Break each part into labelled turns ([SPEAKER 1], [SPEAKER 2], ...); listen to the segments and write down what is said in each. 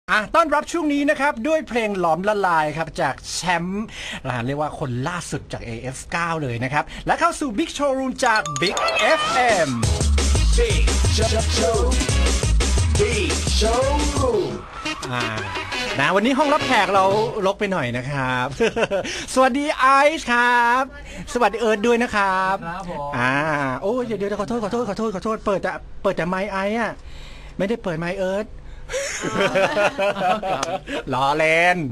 [SPEAKER 1] ต้อนรับช่วงนี้นะครับด้วยเพลงหลอมละลายครับจากแชมป์เรียกว่าคนล่าสุดจาก AF9 เลยนะครับและเข้าสู่ Big Showroom จาก Big FM
[SPEAKER 2] Big Showroom
[SPEAKER 1] วันนี้ห้องรับแขกเรารกไปหน่อยนะครับ สวัสดีไอซ์ครับสวัสดีเอิร์ธด้วยนะครับ
[SPEAKER 3] ครับผม
[SPEAKER 1] โอ้เดี๋ยวขอโทษเปิดแต่ไมค์ไอซ์อะไม่ได้เปิดไมค์เอิร์ธล้อเล่น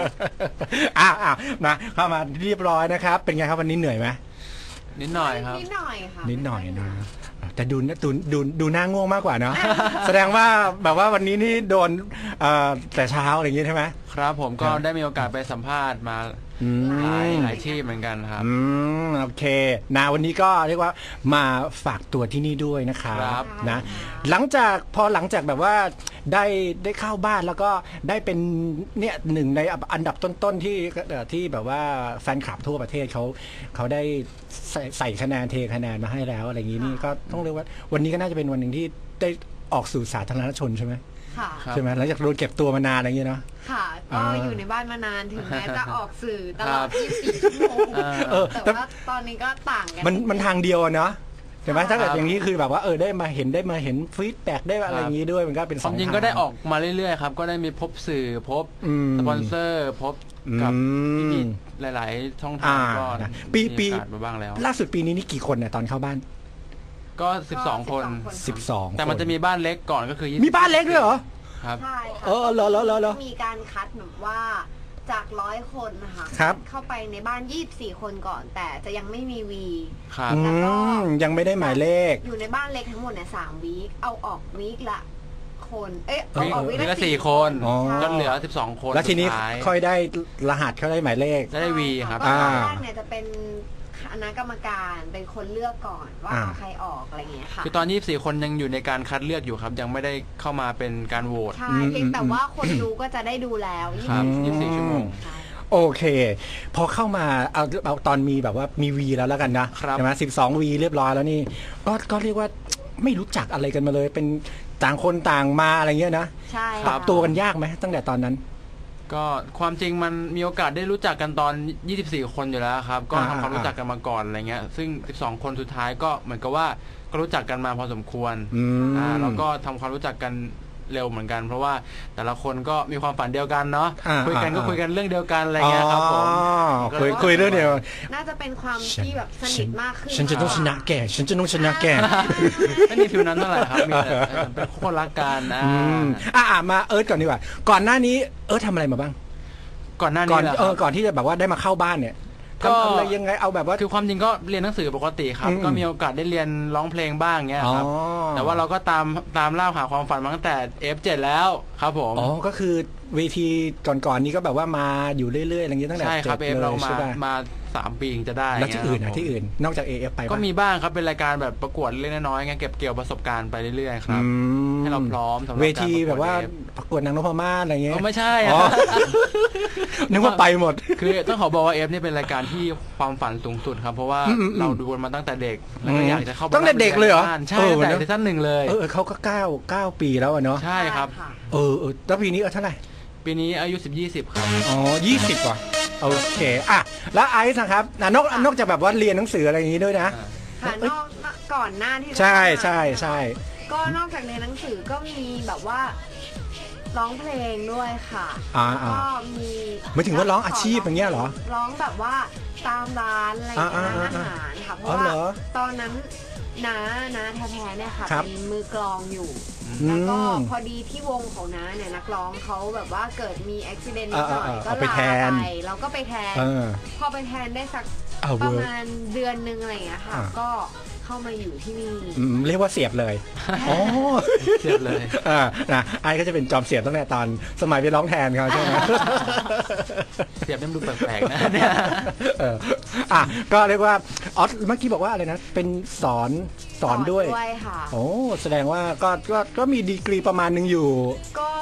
[SPEAKER 1] มาเข้ามาเรียบร้อยนะครับเป็นไงครับวันนี้เหนื่อยไหม
[SPEAKER 3] นิดหน่อยครับ
[SPEAKER 4] นิดหน่อยค่ะ
[SPEAKER 1] นิดหน่อยนะแต่ดูหน้าง่วงมากกว่าเนาะ แสดงว่าแบบว่าวันนี้นี่โดนแต่เช้าอะไรอย่างงี้ใช่ไหม
[SPEAKER 3] ครับผมก็ได้มีโอกาสไปสัมภาษณ์มาหลายที่เหมือนกันครับ
[SPEAKER 1] โอเควันนี้ก็เรียกว่ามาฝากตัวที่นี่ด้วยนะครับนะหลังจากแบบว่าได้เข้าบ้านแล้วก็ได้เป็นเนี่ยหนึ่งในอันดับต้นๆที่แบบว่าแฟนคลับทั่วประเทศเขาได้ใส่คะแนนเทคะแนนมาให้แล้วอะไรอย่างนี้นี่ก็ต้องเรียกว่าวันนี้ก็น่าจะเป็นวันหนึ่งที่ได้ออกสู่สาธารณชนใช่ไหมใช่ไหมหลังจากโดนเก็บตัวมานานอะไรอย่างเงี้ยเนาะ
[SPEAKER 4] ค่ะก็อยู่ในบ้านมานานถึงแม้จะออกสื่อตลอด24 ชั่วโมงแต่ว่าตอนนี้ก็ต่างกัน
[SPEAKER 1] มันทางเดียวเนาะใช่ไหมถ้าเกิดอย่างนี้คือแบบว่าได้มาเห็นฟีดแบ็กได้อะไรอย่างนี้ด้วยมันก็เป็น
[SPEAKER 3] สองทางจริงก็ได้ออกมาเรื่อยๆครับก็ได้มีพบสื่อพบสปอนเซอร์พบกับพี่หลายๆช่องทางก็
[SPEAKER 1] ปี
[SPEAKER 3] มาบ้างแล้ว
[SPEAKER 1] ล่าสุดปีนี้นี่กี่คนเนี่ยตอนเข้าบ้าน
[SPEAKER 3] ก็12 คน
[SPEAKER 1] 12
[SPEAKER 3] แต่มันจะมีบ้านเล็กก่อนก็คือ
[SPEAKER 1] มีบ้านเล็กด้วยเหรอ
[SPEAKER 3] ครับ
[SPEAKER 4] ใช่ค่ะ
[SPEAKER 1] เหรอ
[SPEAKER 4] มีการคัดแบบว่าจาก100 คนนะคะเข้าไปในบ้าน24 คนก่อนแต่จะยังไม่มีวี
[SPEAKER 1] แล้วก็ยังไม่ได้หมายเลข
[SPEAKER 4] อยู่ในบ้านเล็กทั้งหมดเนี่ย3 วีคเอาออกวีคละคนเอาออกวีคละ
[SPEAKER 3] 4 คนจนเหลือ12 คน
[SPEAKER 1] แล้วทีนี้ค่อยได้รหัสเขาได้หมายเลข
[SPEAKER 3] ได้วีครับ
[SPEAKER 4] ตอนแรกเนี่ยจะเป็นคณะกรรมการเป็นคนเลือกก่อนว่าใครออกอะไรเงี้ยค่ะ
[SPEAKER 3] คือตอน24 คนยังอยู่ในการคัดเลือกอยู่ครับยังไม่ได้เข้ามาเป็นการโหวต
[SPEAKER 4] ใช่เพียงแต่ว่าคนดูก็จะได้ดูแล้ว
[SPEAKER 3] 24 ชั่วโมง
[SPEAKER 1] โอเคพอเข้ามาเอาตอนมีแบบว่ามีวีแล้วกันนะใช่ไหม12 วีเรียบร้อยแล้วนี่ก็เรียกว่าไม่รู้จักอะไรกันมาเลยเป็นต่างคนต่างมาอะไรเงี้ยนะ
[SPEAKER 4] ใช่
[SPEAKER 1] ปรับตัวกันยากไหมตั้งแต่ตอนนั้น
[SPEAKER 3] ก็ความจริงมันมีโอกาสได้รู้จักกันตอน24 คนอยู่แล้วครับก็ทำความรู้จักกันมาก่อนอะไรเงี้ยซึ่ง12 คนสุดท้ายก็เหมือนกับว่าก็รู้จักกันมาพอสมควรแล้วก็ทำความรู้จักกันเร็วเหมือนกันเพราะว่าแต่ละคนก็มีความฝันเดียวกันเนาะคุยกันเรื่องเดียวกันอะไรเงี้ยครับผม
[SPEAKER 1] คุยเรื่องเดียว
[SPEAKER 4] น่าจะเป็นความที่แบบสนิทมากขึ้น
[SPEAKER 1] ฉันจะต้องชนะแก
[SPEAKER 3] ไม่มีฟิวนั้นเท่าไหร่ครับมีเป็นคนรักกัน
[SPEAKER 1] มาเอิร์ธก่อนดีกว่าก่อนหน้านี้เอิร์ธทำอะไรมาบ้าง
[SPEAKER 3] ก่อนหน้านี้
[SPEAKER 1] ก่อนที่จะแบบว่าได้มาเข้าบ้านเนี่ยทำอะไรยังไงเอาแบบว่า
[SPEAKER 3] คือความจริงก็เรียนหนังสือปกติครับก็มีโอกาสได้เรียนร้องเพลงบ้างเงี้ยครับแต่ว่าเราก็ตามล่าหาความฝันมาตั้งแต่ F7 แล้วครับผม
[SPEAKER 1] ก็คือเวทีก่อนนี้ก็แบบว่ามาอยู่เรื่อยๆอะไรอย่างเงี้ยตั้งแต่
[SPEAKER 3] ใช่ครับเรามา3 ปีจะได้
[SPEAKER 1] แล้วที่อื่นนอกจาก AF ไป
[SPEAKER 3] ก็มีบ้างครับเป็นรายการแบบประกวดเล็กน้อยๆเก็บเกี่ยวประสบการณ์ไปเรื่อยๆครับให้เราพร้อมสำหรับ
[SPEAKER 1] เวทีแบบว่าประกวดนางนพมาศอะไรเงี้ย
[SPEAKER 3] ไม่ใช่
[SPEAKER 1] นึกว่าไปหมด
[SPEAKER 3] คือต้องขอบอกว่า F นี่เป็นรายการที่ความฝันสูงสุดครับเพราะว่าเราดูมาตั้งแต่เด็กแล้วก็อยากจะเข้า
[SPEAKER 1] ตั้งแต่เด็กเลยเหรอ
[SPEAKER 3] ใช่ตั้งแต่ซีซั่น 1เลย
[SPEAKER 1] เขาก็9 ปีแล้วเนาะ
[SPEAKER 3] ใช่ครับ
[SPEAKER 1] แล้วปีนี้เท่าไหร่
[SPEAKER 3] ปีนี้อายุ20ครับ
[SPEAKER 1] 20ว่ะโอเคแล้วไอซ์นะครับนอกจากแบบว่าเรียนหนังสืออะไรอย่างนี้ด้วยนะ
[SPEAKER 4] ค่ะก่อนหน้าที่
[SPEAKER 1] ใช่
[SPEAKER 4] ก็นอกจากเรียนหนังสือก็มีแบบว่าร้องเพลงด้วยค่ะก็มี
[SPEAKER 1] ไม่ถึงว่าร้องอาชีพอย่างเงี้ยเหรอ
[SPEAKER 4] ร้องแบบว่าตามร้านอะไรอย่างเงี้ยอาหารค่ะเพราะว่าตอนนั้นน้าแท้ๆเนี่ยค่ะเป็นมือกลองอยู่แล้วก็พอดีที่วงของน้าเนี่ยนักร้องเขาแบบว่าเกิดมีอุบิเหตุนิดหน่อยก็ลาไปเราก็ไปแทนพอไปแทนได้สักประมาณเดือนนึงอะไรอย่างเงี้ยค่ะก็เข้ามาอยู่ที่นี่
[SPEAKER 1] เรียกว่าเสียบเลย
[SPEAKER 3] เสียบเลย
[SPEAKER 1] นะไอ้ก็จะเป็นจอมเสียบตั้งแต่ตอนสมัยไปร้องแทนเขาใช่ไหม
[SPEAKER 3] เสียบนี่ดูแปลกๆนะเนี่ย
[SPEAKER 1] ก็เรียกว่าเมื่อกี้บอกว่าอะไรนะเป็นสอนด้วย
[SPEAKER 4] ค่ะ
[SPEAKER 1] แสดงว่าก็มีดีกรีประมาณนึงอยู่
[SPEAKER 4] ก็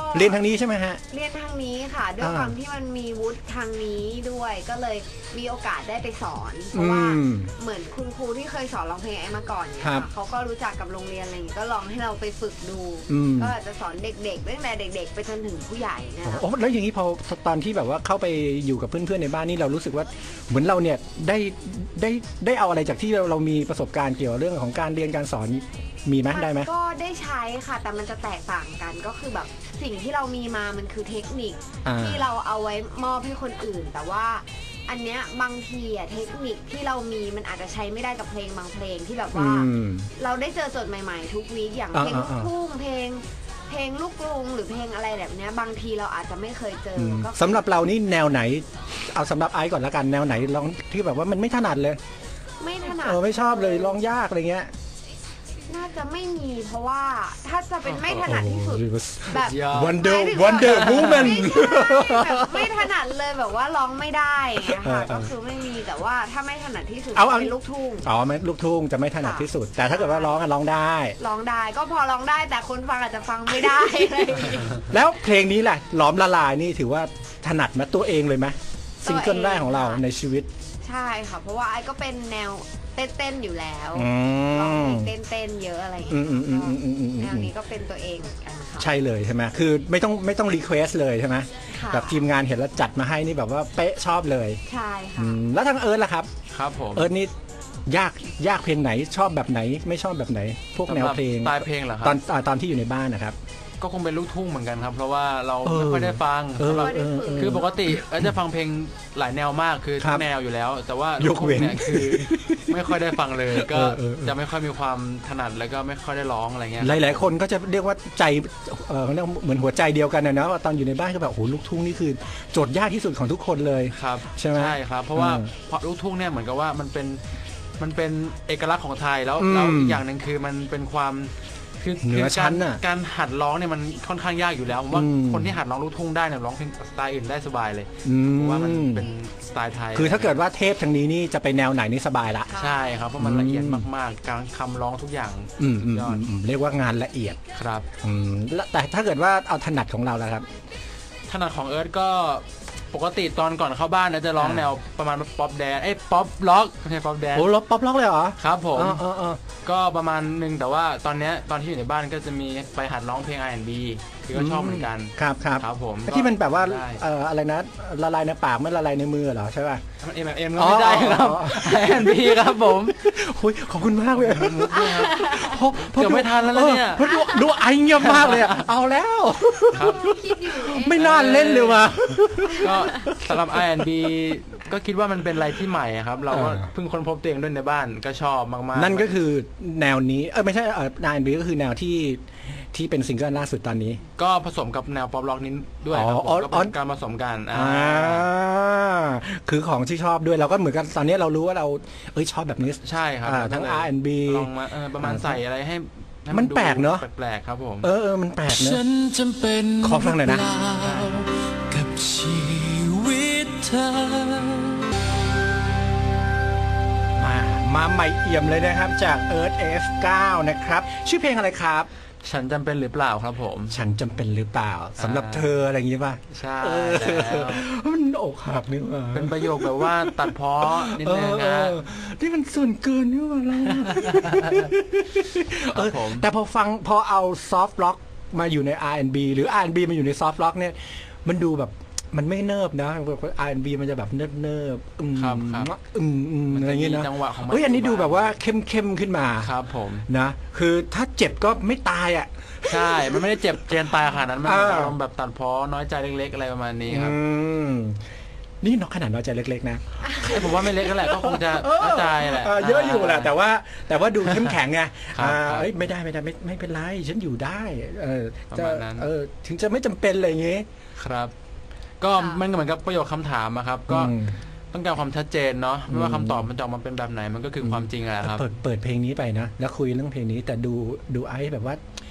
[SPEAKER 1] เรียนทางนี้ใช่ไหมฮะ
[SPEAKER 4] เรียนทางนี้ค่ะด้วยความที่มันมีวุฒิทางนี้ด้วยก็เลยมีโอกาสได้ไปสอนเพราะว่าเหมือนคุณครูที่เคยสอนร้องเพลงไอ้มาก่อนเนี่ยเขาก็รู้จักกับโรงเรียนอะไรอย่างนี้ก็ลองให้เราไปฝึกดูก็อาจจะสอนเด็กๆตั้งแต่เด็กๆไปจนถึงผู้ใหญ่นะคะ
[SPEAKER 1] โอ้แล้วอย่างนี้พอตอนที่แบบว่าเข้าไปอยู่กับเพื่อนๆในบ้านนี่เรารู้สึกว่าเหมือนเราเนี่ยได้เอาอะไรจากที่เรามีประสบการณ์เกี่ยวกับเรื่องของการเรียนการสอนมีไหมได้ไหม
[SPEAKER 4] ก็ได้ใช้ค่ะแต่มันจะแตกต่างกันก็คือแบบสิ่งที่เรามีมามันคือเทคนิคที่เราเอาไว้มอบให้คนอื่นแต่ว่าอันเนี้ยบางทีอะเทคนิคที่เรามีมันอาจจะใช้ไม่ได้กับเพลงบางเพลงที่แบบว่าเราได้เจอโจทย์ใหม่ๆทุกวีคอย่างเพลงลูกทุ่งเพลงลูกกรุงหรือเพลงอะไรแบบเนี้ยบางทีเราอาจจะไม่เคยเจอ
[SPEAKER 1] สำหรับเรานี่แนวไหนเอาสำหรับไอซ์ก่อนละกันแนวไหนร้องที่แบบว่ามันไม่ถนัดเลย
[SPEAKER 4] ไม่ถนัด
[SPEAKER 1] ไม่ชอบเลยร้องยากอะไรเงี้ย
[SPEAKER 4] น่าจะไม่มีเพราะว่าถ้าจะเป็นไม่ถนัดที่สุดแบบ
[SPEAKER 1] Wonder Woman
[SPEAKER 4] แบบไม่ถนัดเลยแบบว่าร้องไม่ได้ค่ะก็คือไม่มีแต่ว่าถ้าไม่ถนัดที่สุดเป็นลูกทุ่ง
[SPEAKER 1] ไม่ลูกทุ่งจะไม่ถนัดที่สุดแต่ถ้าเกิดว่าร้องได้
[SPEAKER 4] ก็พอร้องได้แต่คนฟังอาจจะฟังไม่ได้
[SPEAKER 1] แล้วเพลงนี้แหละหลอมละลายนี่ถือว่าถนัดมาตัวเองเลยไหมซิงเกิลแรกของเราในชีวิต
[SPEAKER 4] ใช่ค่ะเพราะว่าไอ้ก็เป็นแนวเต้นอยู่แล้วร้องเพลงเต้นเยอะอะไรอย่างเงี้ยแนวนี้ก็เป็นตัวเองเหมือนกันค่ะ
[SPEAKER 1] ใช่เลยใช่ไหมคือไม่ต้องรีเควสเลยใช่ไหมแบบทีมงานเห็นแล้วจัดมาให้นี่แบบว่าเป๊ะชอบเลย
[SPEAKER 4] ใช่ค่ะ
[SPEAKER 1] แล้วทางเอิร์ธล่ะครับ
[SPEAKER 3] ครับผม
[SPEAKER 1] เอิร์ธนี่ยากเพลงไหนชอบแบบไหนไม่ชอบแบบไหนพวกแนวเพลง
[SPEAKER 3] สไตล์เพลงเหรอครับ
[SPEAKER 1] ตอนที่อยู่ในบ้านนะครับ
[SPEAKER 3] ก็คงเป็นลูกทุ่งเหมือนกันครับเพราะว่าเราไม่ค่อยได้ฟังคือปกติจะฟังเพลงหลายแนวมากคือทุกแนวอยู่แล้วแต่ว่าลูกทุ่งเนี่ยคือไม่ค่อยได้ฟังเลยก็จะไม่ค่อยมีความถนัดแล้วก็ไม่ค่อยได้ร้องอะไรเงี้ย
[SPEAKER 1] หลายๆคนก็จะเรียกว่าใจเหมือนหัวใจเดียวกันนะว่าตอนอยู่ในบ้านก็แบบโอ้ลูกทุ่งนี่คือโจทย์ยากที่สุดของทุกคนเลย
[SPEAKER 3] ครับ
[SPEAKER 1] ใช่ไหม
[SPEAKER 3] ใช่ครับเพราะว่าลูกทุ่งเนี่ยเหมือนกับว่ามันเป็นเอกลักษณ์ของไทยแล้วอีกอย่างนึงคือมันเป็นความ
[SPEAKER 1] เหนือชั้นน่ะ
[SPEAKER 3] การหัดร้องเนี่ยมันค่อนข้างยากอยู่แล้วผมว่าคนที่หัดร้องลูกทุ่งได้เนี่ยร้องเพลงสไตล์อื่นได้สบายเลยเพราะว่ามันเป็นสไตล์ไทย
[SPEAKER 1] คือถ้าเกิดว่าเทพทางนี้นี่จะไปแนวไหนนี่สบายละ
[SPEAKER 3] ใช่ครับเพราะมันละเอียดมากๆการคำร้องทุกอย่าง
[SPEAKER 1] ยอดเรียกว่างานละเอียด
[SPEAKER 3] ครับ
[SPEAKER 1] แต่ถ้าเกิดว่าเอาถนัดของเราแล้วครับ
[SPEAKER 3] ถนัดของเอิร์ธก็ปกติตอนก่อนเข้าบ้านจะร้องแนวประมาณป๊อปแดนป๊อปล็อกไม่ใช่ป๊อปแดน
[SPEAKER 1] โอ้ป๊อปล็อกเลยเหรอ
[SPEAKER 3] ครับผมก็ประมาณนึงแต่ว่าตอนที่อยู่ในบ้านก็จะมีไปหัดร้องเพลง R&B คือก็ชอบเหมือนกัน
[SPEAKER 1] ครับ
[SPEAKER 3] ผม
[SPEAKER 1] ที่มันแบบว่าอะไรนะละลายในปากไม่ละลายในมือเหรอใช่ป่ะ
[SPEAKER 3] เอ็มก็ไม่ได้ครับ R&B ครับผม
[SPEAKER 1] ขอบคุณมากเลย
[SPEAKER 3] เกือบไม่ทันแล้วเนี่ย
[SPEAKER 1] ดูไอเงียบมากเลยเอาแล้วไม่น่าเล่นเลยว่ะ
[SPEAKER 3] ก็สำหรับ R&B ก็คิดว่ามันเป็นอะไรที่ใหม่ครับเราก็เพิ่งค้นพบตัวเองด้วยในบ้านก็ชอบมากๆ
[SPEAKER 1] นั่นก็คือแนวนี้ไม่ใช่R&B ก็คือแนวที่เป็นซิงเกิลล่าสุดตอนนี้
[SPEAKER 3] ก็ผสมกับแนวป๊อปร็อกนี้ด้วยครับก็เป็นการผสมกัน
[SPEAKER 1] คือของที่ชอบด้วยเราก็เหมือนกันตอนนี้เรารู้ว่าเราชอบแบบนี้
[SPEAKER 3] ใช่ครับ
[SPEAKER 1] ทั้ง R&B
[SPEAKER 3] ลองมาประมาณใส่อะไรให้
[SPEAKER 1] มันแปลกเนอะ
[SPEAKER 3] แปลกครับผม
[SPEAKER 1] มันแปลกเนอะขอฟังหน่อยนะกับชีวิตเธอมาใหม่เอี่ยมเลยนะครับจาก Earth F9 นะครับชื่อเพลงอะไรครับ
[SPEAKER 3] ฉันจำเป็นหรือเปล่าครับผม
[SPEAKER 1] ฉันจำเป็นหรือเปล่าสำหรับเธออะไรอย่างนี้ป่ะ
[SPEAKER 3] ใช่แล้ว
[SPEAKER 1] มันอกหักนี่ว่า
[SPEAKER 3] เป็นประโยคแบบว่าตัดพ้อนิดนึงนะ
[SPEAKER 1] ที่มันส่วนเกินนี่ว่าเราแต่พอเอาซอฟต์ร็อกมาอยู่ใน R&B หรือ R&B มาอยู่ในซอฟต์ร็อกเนี่ยมันดูแบบมันไม่เนิบนะ R&B มันจะแบบเนิบอะไรอย่างเงี้ยนะอันนี้ดูแบบว่าเข้มขึ้นมา
[SPEAKER 3] ครับผม
[SPEAKER 1] นะคือถ้าเจ็บก็ไม่ตายอ่ะ
[SPEAKER 3] ใช่มันไม่ได้เจ็บเจนตายขนาดนั้นมันแบบตัดพ้อน้อยใจเล็กๆอะไรประมาณนี้ครับ
[SPEAKER 1] นี่นอกขนาดน้อยใจเล็กๆนะ
[SPEAKER 3] ผมว่าไม่เล็กแหละก็คงจะน้อยใจแหละ
[SPEAKER 1] เยอะอยู่แหละแต่ว่าดูเข้มแข็งไงไม่ได้ไม่เป็นไรฉันอยู่ได้ถึงจะไม่จำเป็นอะไรอย่างเงี้ย
[SPEAKER 3] ครับก็มันเหมือนกับประโยคคำถามครับก็ต้องการความชัดเจนเนาะไม่ว่าคำตอบมันจะออกมาเป็นแบบไหนมันก็คือความจริงแหละครับ
[SPEAKER 1] เปิดเพลงนี้ไปนะแล้วคุยเรื่องเพลงนี้แต่ดูไอ้แบบว่า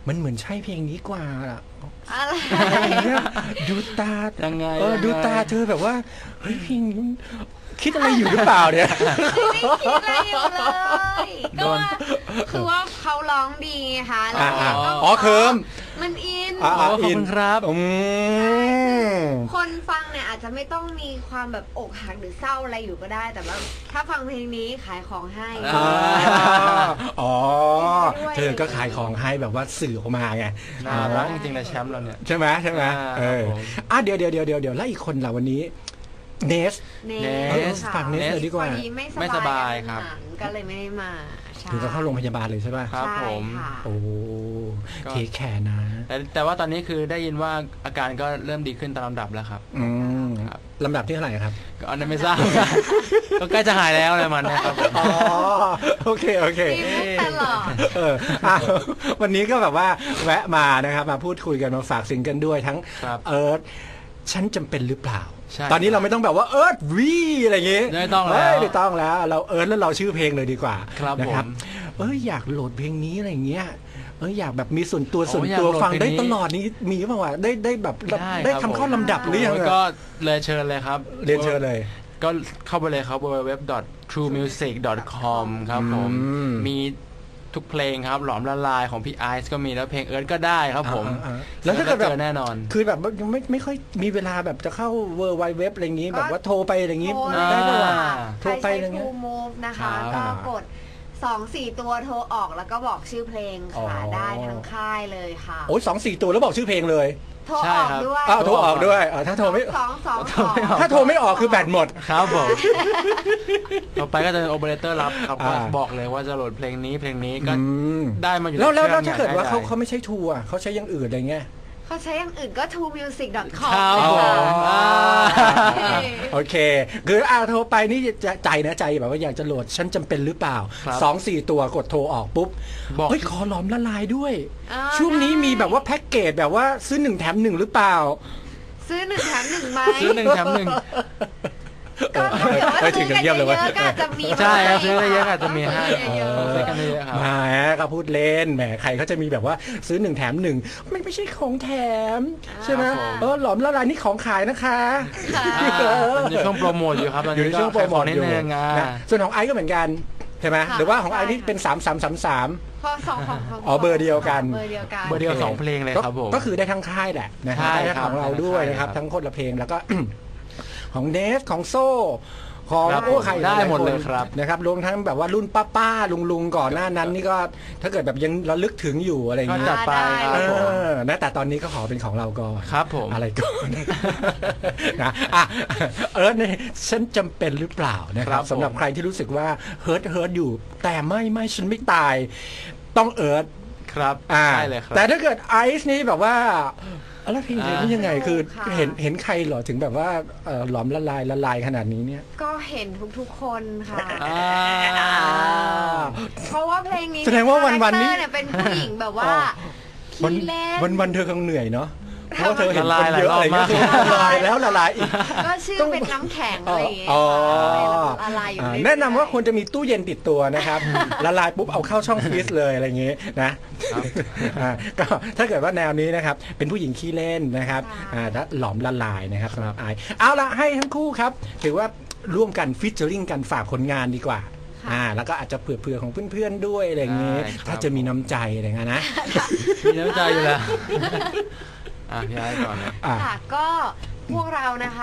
[SPEAKER 1] มันเหมือนใช่เพลงนี้กว่าอะ
[SPEAKER 4] อะไร
[SPEAKER 1] เนี่ยดูตา
[SPEAKER 3] ยังไง
[SPEAKER 1] ดูตาเธอแบบว่าเฮ้ยเพลงนี้มันคิดอะไรอยู่หรือเปล่าเนี่ย
[SPEAKER 4] ไม่คิดอะไรอยู่เลยก็ว่าคือว่าเขาร้องดีไงคะแล้วก็
[SPEAKER 1] อ๋อเคิม
[SPEAKER 4] มันอิน
[SPEAKER 3] ขอบคุณครับ
[SPEAKER 4] คนฟังเนี่ยอาจจะไม่ต้องมีความแบบอกหักหรือเศร้าอะไรอยู่ก็ได้ แต่ว่าถ้าฟังเพลงนี้ขายของให้
[SPEAKER 1] อ๋อเธอก็ขายของให้แบบว่าสื่อออกมาไง
[SPEAKER 3] น่ารักจริงๆเลยแชมป์เราเนี่ย
[SPEAKER 1] ใช่ไหมใช่ไหม
[SPEAKER 3] ครับผม
[SPEAKER 1] เดี๋ยวแล้วอีกคนล่ะวันนี้เนส
[SPEAKER 4] เน
[SPEAKER 3] ส
[SPEAKER 1] ฝากเนสเลยดีกว่า
[SPEAKER 4] พอดีไม่
[SPEAKER 3] ไม่
[SPEAKER 4] ส
[SPEAKER 3] ส
[SPEAKER 4] บา
[SPEAKER 3] บาย ย
[SPEAKER 4] ค
[SPEAKER 3] ครั
[SPEAKER 4] รับบ ก็เลยไม่ได้มาใช่
[SPEAKER 1] ถึงก็เข้าโรงพยาบาลเลยใช่ป่ะ
[SPEAKER 3] ครับ
[SPEAKER 4] ใช่
[SPEAKER 3] ผม
[SPEAKER 4] ค่ะ
[SPEAKER 1] โอ้
[SPEAKER 3] ก็
[SPEAKER 1] เทคแคร์นะ
[SPEAKER 3] แต่ว่าตอนนี้คือได้ยินว่าอาการก็เริ่มดีขึ้นตามลำดับแล้วครับ
[SPEAKER 1] อืม
[SPEAKER 3] ครับ
[SPEAKER 1] ลำดับที่เท่าไหร่ครับ
[SPEAKER 3] ก็อันนั้นไม่ทราบ ก็ใกล้จะหายแล้วอะไรมันเนะครับผม
[SPEAKER 1] อ๋อโอเค
[SPEAKER 4] มีมุกตลอด
[SPEAKER 1] วันนี้ก็แบบว่าแวะมานะครับมาพูดคุยกันมาฝากซิงเกิลด้วยทั้ง
[SPEAKER 3] ครับ
[SPEAKER 1] เอิร์ธฉันจำเป็นหรือเปล่า
[SPEAKER 3] ใช่
[SPEAKER 1] ตอนนี้เราไม่ต้องแบบว่าเอิร์ธวีอะไรอย่างงี้
[SPEAKER 3] ไม่ต้องแล้ว
[SPEAKER 1] เฮ้ยไม่ต้องแล้ว เราเอิร์ธแล้วเราชื่อเพลงเลยดีกว่า
[SPEAKER 3] ครับ
[SPEAKER 1] นะ
[SPEAKER 3] ผม
[SPEAKER 1] อยากโหลดเพลงนี้อะไรอย่างเงี้ยอยากแบบมีส่วนตัว
[SPEAKER 3] โอ้อยากโหลด
[SPEAKER 1] ฟังได้
[SPEAKER 3] เพลงนี้
[SPEAKER 1] ตลอดนี้มีเปล่าวะได้แบบ
[SPEAKER 3] ได้
[SPEAKER 1] ทำ
[SPEAKER 3] ครับ
[SPEAKER 1] เข้าลำดับหรือยัง
[SPEAKER 3] โอ้ย
[SPEAKER 1] อะ
[SPEAKER 3] ก็เลยเชิญเลยครับ
[SPEAKER 1] เรียนเชิญเลย
[SPEAKER 3] ก็เข้าไปเลยครับ www.truemusic.com ครับผม
[SPEAKER 1] อืม
[SPEAKER 3] มีทุกเพลงครับ หลอมละลายของพี่ไอซ์ก็มีแล้วเพลงเอิร์ธก็ได้ครับผม
[SPEAKER 1] แล้วถ้าเกิดแบบ
[SPEAKER 3] เจอแน่นอน
[SPEAKER 1] คือแบบว่ายังไม่ค่อยมีเวลาแบบจะเข้าเวอร์ไวเว็บอะไรอย่างงี้
[SPEAKER 4] ก็
[SPEAKER 1] แบบว่าโทรไปอะไรอย่างงี้
[SPEAKER 4] โทร
[SPEAKER 1] ได้ปะวะ
[SPEAKER 3] อ่า
[SPEAKER 1] โทร
[SPEAKER 4] ใคร
[SPEAKER 1] ไป
[SPEAKER 4] ใช้
[SPEAKER 1] อะไรเงี้ย
[SPEAKER 4] True Move นะคะ
[SPEAKER 3] ครั
[SPEAKER 4] ก็
[SPEAKER 3] บ
[SPEAKER 4] กด 2-4 ตัวโทรออกแล้วก็บอกชื่อเพลง
[SPEAKER 1] อ๋อ
[SPEAKER 4] ค่ะได้ทั้งค่ายเลยค่ะ
[SPEAKER 1] โอ้ย2-4 ตัวแล้วบอกชื่อเพลงเลย
[SPEAKER 4] โทรออกด้วย
[SPEAKER 1] อ้าวโทรออกด้วยถ้าโทรไม่
[SPEAKER 4] 222
[SPEAKER 1] ถ้าโทรไม่ออกคือแบตหมด
[SPEAKER 3] ครับผม ต่อไปก็จะเป็นโอเปอเรเตอร์รับครับก็
[SPEAKER 1] อ่า
[SPEAKER 3] บอกเลยว่าจะโหลดเพลงนี้เพลงนี้ก็
[SPEAKER 1] อืม
[SPEAKER 3] ได้มาอยู่
[SPEAKER 1] แล้ว
[SPEAKER 3] ในครื่อง
[SPEAKER 1] ถ้าเกิดว่า
[SPEAKER 3] อย่ง
[SPEAKER 1] เขา
[SPEAKER 3] ง่ย
[SPEAKER 1] เขาไม่ใช่ทัวร์เขาใช้อย่างอื่นอะไรเงี้ย
[SPEAKER 4] เขาใช้อย่างอื่นก็ truemusic.com
[SPEAKER 3] ครับ
[SPEAKER 4] เลย
[SPEAKER 3] ผม
[SPEAKER 4] ค่ะ
[SPEAKER 1] โอเคคือโทรไปนี่จะใจนะใจแบบว่าอยากจะโหลดฉันจำเป็นหรือเปล่า
[SPEAKER 3] ครับ
[SPEAKER 1] 2-4 ตัวกดโทรออกปุ๊บ
[SPEAKER 3] บอก
[SPEAKER 1] เฮ้ยขอหลอมละลายด้วย
[SPEAKER 4] อ่า
[SPEAKER 1] ช่วงนี้
[SPEAKER 4] ได้
[SPEAKER 1] มีแบบว่าแพ็กเกจแบบว่าซื้อ1 แถม 1หรือเปล่า
[SPEAKER 4] ซื้อ1 แถม 1ไหม
[SPEAKER 3] ซื้อ1 แถม 1
[SPEAKER 4] ก็ถ้าเกิดว่า
[SPEAKER 1] ถึ
[SPEAKER 4] ซื้
[SPEAKER 1] ง
[SPEAKER 4] อ
[SPEAKER 1] กั
[SPEAKER 4] กัน น
[SPEAKER 1] เยี่
[SPEAKER 4] เย
[SPEAKER 1] ยมเลยเว้ย
[SPEAKER 4] อะๆก็อาจจะมี
[SPEAKER 3] ใช่ครับ
[SPEAKER 4] ให้
[SPEAKER 3] ซื้อได้เยอะอาจจะมีให้
[SPEAKER 4] เยอะ
[SPEAKER 3] ซื้อกันเยอะครับ
[SPEAKER 1] แหมก็พูดเล่นแหมใครเขาจะมีแบบว่าซื้อ1 แถม 1มันไม่ใช่ของแถมใช่ไหม
[SPEAKER 3] ครับผม
[SPEAKER 1] หลอมละลายนี่ของขายนะคะ
[SPEAKER 4] ค่ะ
[SPEAKER 3] มันอยู่ช่วงโปรโมทอยู่ครับตอน
[SPEAKER 1] อยู่
[SPEAKER 3] นี้
[SPEAKER 1] ในช่วงโปรโมท
[SPEAKER 3] นิด
[SPEAKER 1] อยู่
[SPEAKER 3] นึงอ่ะ
[SPEAKER 1] นะส่วนของไอซ์ก็เหมือนกันใช่ไหม
[SPEAKER 4] ค่ะ
[SPEAKER 1] หรือว่าของไอซ์
[SPEAKER 4] ใช่
[SPEAKER 1] นี่เป็น3333
[SPEAKER 4] พอสองของ
[SPEAKER 1] อ๋อเบอร์เดียวกัน
[SPEAKER 4] เบอร์เดียวกัน
[SPEAKER 3] เบอร์เดียวสองเพลงเลยครับผม
[SPEAKER 1] ก็คือได้ทั้งค่ายแหละนะฮะ
[SPEAKER 3] ใช่
[SPEAKER 1] ได้ทั้ง
[SPEAKER 3] ครับ
[SPEAKER 1] ของเราด้วยนะครับ
[SPEAKER 3] ได้ทั้งค่าย
[SPEAKER 1] ทั้งคนละเพลงแล้วก็ ของเนสของโซ่ของ
[SPEAKER 3] ครับ
[SPEAKER 1] โอ้ใคร
[SPEAKER 3] ได้หมด
[SPEAKER 1] า
[SPEAKER 3] เลย
[SPEAKER 1] คน
[SPEAKER 3] ครับ
[SPEAKER 1] นะครับรวมทั้งแบบว่ารุ่นป้าลุงก่อนหน้านั้นนี่ก็ถ้าเกิดแบบยังระลึกถึงอยู่อะไรอย่าง
[SPEAKER 3] ก็
[SPEAKER 1] เงี้
[SPEAKER 3] จั
[SPEAKER 1] ย
[SPEAKER 3] ดไปครับผม
[SPEAKER 1] นะแต่ตอนนี้ก็ขอเป็นของเราก่อน
[SPEAKER 3] ครับผม
[SPEAKER 1] อะไรก่อน นะเนี่ยฉันจำเป็นหรือเปล่านะครับ
[SPEAKER 3] ผม
[SPEAKER 1] สำหรับใครที่รู้สึกว่าเฮิร์ตอยู่ แต่ไม่ฉันไม่ตายต้องเอิร์ธ
[SPEAKER 3] ครับใช่เลยครับ
[SPEAKER 1] แต่ถ้าเกิดไอซ์นี่แบบว่าแล้วเพลงนี้ยังไงคือ
[SPEAKER 4] ค่ะ
[SPEAKER 1] เห็นใครเหรอถึงแบบว่าหลอมละลายขนาดนี้เนี่ย
[SPEAKER 4] ก็เห็นทุกๆคนค่ะ
[SPEAKER 3] อ่า
[SPEAKER 4] เพราะว่าเพลงนี้
[SPEAKER 1] แสดงว่าวันๆนี้
[SPEAKER 4] คาแรคเตอร์เยเป็นผู้หญิงแบบว่า
[SPEAKER 1] วัน
[SPEAKER 4] ขี้เล่น
[SPEAKER 1] วันเธอคงเหนื่อยเนาะเพราะว่าเธอเห็น
[SPEAKER 3] ละ
[SPEAKER 1] ค
[SPEAKER 3] ลาย
[SPEAKER 1] นเยอะ
[SPEAKER 3] หลายรอบ
[SPEAKER 1] อะไรเงี้ย
[SPEAKER 3] มาก
[SPEAKER 1] ละลายแล้วละลายอีก
[SPEAKER 4] ก็ชื่อเป็นน้ำแข็งอะไรอย่างเงี้ย
[SPEAKER 1] อ๋อ
[SPEAKER 4] อะไรอยู่เรื่อยๆ
[SPEAKER 1] แนะนำว่าควรจะมีตู้เย็นติดตัวนะครับ ละลายปุ๊บเอาเข้าช่องฟรีซเลยอะไรอย่างงี้นะก็ถ้าเกิดว่าแนวนี้นะครับเป็นผู้หญิงขี้เล่นนะครับและหลอมละลายนะครับสำหรับไอซ์เอาละให้ทั้งคู่ครับถือว่าร่วมกันฟิชเจอริงกันฝากผลงานดีกว่าแล้วก็อาจจะเผื่อๆของเพื่อนๆด้วยอะไรอย่างงี้
[SPEAKER 3] ใช่ครับ
[SPEAKER 1] ถ้าจะมีน้ำใจอะไรเงี้ยนะ
[SPEAKER 3] มีน้ำใจอยู่แล้วพี่ไอ้ก่อนเลย
[SPEAKER 4] ค่ะก็พวกเรานะคะ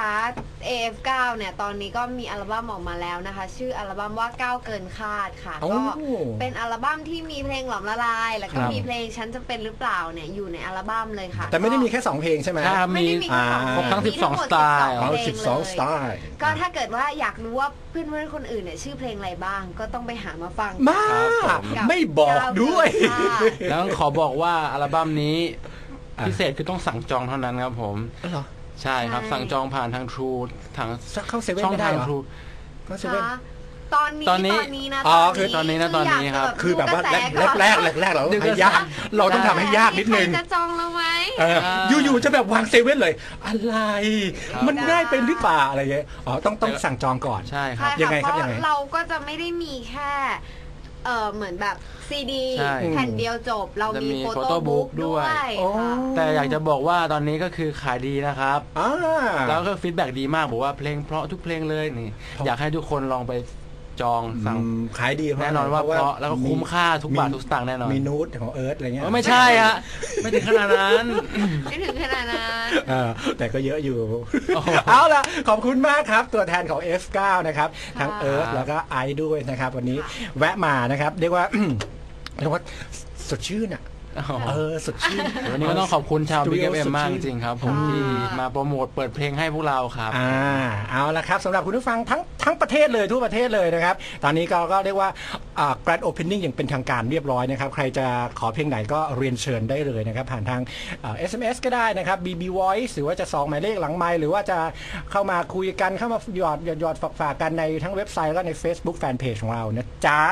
[SPEAKER 4] AF9 เนี่ยตอนนี้ก็มีอัลบั้มออกมาแล้วนะคะ ชื่ออัลบั้มว่าก้าวเกินคาดค่ะ
[SPEAKER 1] โอ้
[SPEAKER 4] ก็เป็นอัลบั้มที่มีเพลงหลอมละลาย แล้วก็
[SPEAKER 1] ครับ
[SPEAKER 4] มีเพลงฉันจะเป็นหรือเปล่าเนี่ยอยู่ในอัลบั้มเลยค่ะ
[SPEAKER 1] แต่ไม่ได้มีแค่2เพลงใช่ไหม
[SPEAKER 3] ใช่ครับ
[SPEAKER 4] ไม่ได้มีแค่สอง
[SPEAKER 3] ครบทั้ง
[SPEAKER 4] มี
[SPEAKER 3] 12
[SPEAKER 4] หมด
[SPEAKER 3] สไตล์
[SPEAKER 4] 12
[SPEAKER 1] เอา
[SPEAKER 4] เพลงเลย
[SPEAKER 1] 12 สไตล์
[SPEAKER 4] ก็ถ้าเกิดว่าอยากรู้ว่าเพื่อนๆคนอื่นเนี่ยชื่อเพลงอะไรบ้าง ก็ต้องไปหามาฟัง
[SPEAKER 1] มา
[SPEAKER 3] ครับผม
[SPEAKER 1] ไม่บอกด้วย
[SPEAKER 4] ก้าวเกินคาด
[SPEAKER 3] แล้วขอบอกว่าอัลบั้มนี้พิเศษคือต้องสั่งจองเท่านั้นครับผม
[SPEAKER 1] เหรอ
[SPEAKER 3] ใช่ครับ
[SPEAKER 4] ใช่
[SPEAKER 3] สั่งจองผ่านทาง True ทาง
[SPEAKER 1] เข้าเซเว่น
[SPEAKER 3] ช่อง
[SPEAKER 1] ไม่ได้
[SPEAKER 3] ทาง
[SPEAKER 1] เหรอ
[SPEAKER 3] True
[SPEAKER 1] เข้าเซเว่น
[SPEAKER 4] คะตอนนี้
[SPEAKER 3] ตอนนี้
[SPEAKER 4] นะ
[SPEAKER 1] อ๋อคือ
[SPEAKER 3] ตอนนี้นะตอนนี้ครับ
[SPEAKER 1] คือแบบว่า
[SPEAKER 4] ดูกระส
[SPEAKER 1] แรก
[SPEAKER 4] ก่อน
[SPEAKER 1] เราต้องให้ยากเราต้องทำให้ยากนิดนึง
[SPEAKER 4] ใครจะจองเราไหม
[SPEAKER 1] อยู่ๆจะแบบวางเซเว่นเลย อะไร
[SPEAKER 3] ครับ
[SPEAKER 1] มันง่ายเป็นหรือเปล่าอะไรเงี้ยอ๋อต้องสั่งจองก่อน
[SPEAKER 3] ใช่ค
[SPEAKER 4] ใช่
[SPEAKER 3] รับ
[SPEAKER 1] ยังไง
[SPEAKER 4] ค่ะ
[SPEAKER 1] ครับ
[SPEAKER 4] เพ
[SPEAKER 1] ยังไง
[SPEAKER 4] ราะเราก็จะไม่ได้มีแค่เหมือนแบบซีดี
[SPEAKER 3] ใช่
[SPEAKER 4] แผ่นเดียวจบ เรามี
[SPEAKER 3] จะมี
[SPEAKER 4] โฟ
[SPEAKER 3] photo
[SPEAKER 4] โต้บุ๊ก
[SPEAKER 3] book ด้
[SPEAKER 4] ด้ว
[SPEAKER 3] วย
[SPEAKER 4] ย
[SPEAKER 1] โอ้
[SPEAKER 4] ค่ะ
[SPEAKER 3] แต่อยากจะบอกว่าตอนนี้ก็คือขายดีนะครับ
[SPEAKER 1] อ่า
[SPEAKER 3] แล้วก็ฟีดแบ็กดีมากบอกว่าเพลงเพราะทุกเพลงเลยนี่ อยากให้ทุกคนลองไปจองสั่ง
[SPEAKER 1] ขายดีเพราะ
[SPEAKER 3] แน่นอนว่าเพราะแล้วก็คุ้มค่าทุกบาททุกสตางค์แน่นอน
[SPEAKER 1] มีนูตของเอิร์ธอะไรเงี้ย
[SPEAKER 3] ไม่ใช่ฮะไม่ถึงขนาดนั้น
[SPEAKER 4] ไม่ถึงขนาดนั้น
[SPEAKER 1] แต่ก็เยอะอยู่
[SPEAKER 3] โอ้โห
[SPEAKER 1] เอาล่ะ ขอบคุณมากครับ ตัวแทนของ F9 นะครับ ทั้ง
[SPEAKER 4] ค่ะ
[SPEAKER 1] เอิร์ธแล้วก็ไอซ์ด้วยนะครับ วันนี้แวะมานะครับ เรียกว่า เรียกว่าสดชื่นอ่ะ สดชื่น
[SPEAKER 3] วันนี้ก็ต้องขอบคุณชาว Big
[SPEAKER 1] Studio
[SPEAKER 3] FM มาก
[SPEAKER 1] ส
[SPEAKER 3] จ
[SPEAKER 1] ดชื่น
[SPEAKER 3] ริงๆครับผม
[SPEAKER 4] ค่ะ
[SPEAKER 3] ที่มาโปรโมทเปิดเพลงให้พวกเราครับ
[SPEAKER 1] เอาละครับสำหรับคุณผู้ฟังทั้งประเทศเลยทั่วประเทศเลยนะครับ ตอนนี้ก็เรียกว่าgrand opening อย่างเป็นทางการเรียบร้อยนะครับ ใครจะขอเพลงไหนก็เรียนเชิญได้เลยนะครับ ผ่านทางSMS ก็ได้นะครับ BB Voice หรือว่าจะ2หมายเลขหลังไมค์หรือว่าจะเข้ามาคุยกันเข้ามาหยอดฝากกันในทั้งเว็บไซต์แล้วก็ใน Facebook Fanpage ของเรานะจ๊ะ